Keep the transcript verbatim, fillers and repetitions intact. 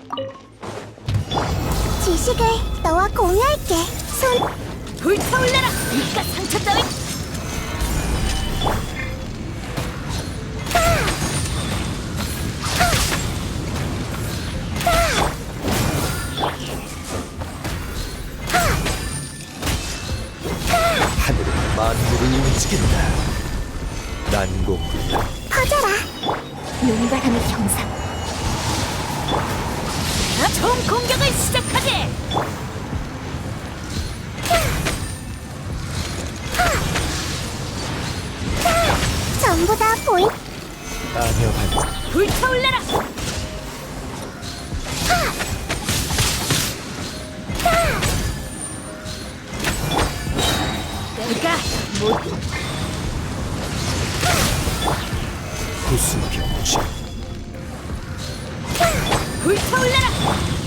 지식을 너와 공유할게. 손 불타올라라! 이깟 상처 따위! 하늘은 만물을 움직인다. 난공불락. 퍼져라. 용가함의 형상. 총 공격을 시작하게! 전부 다 보인. 아녀 반사. 불타올라라! 내가 모두 구수병치. 불타올라라!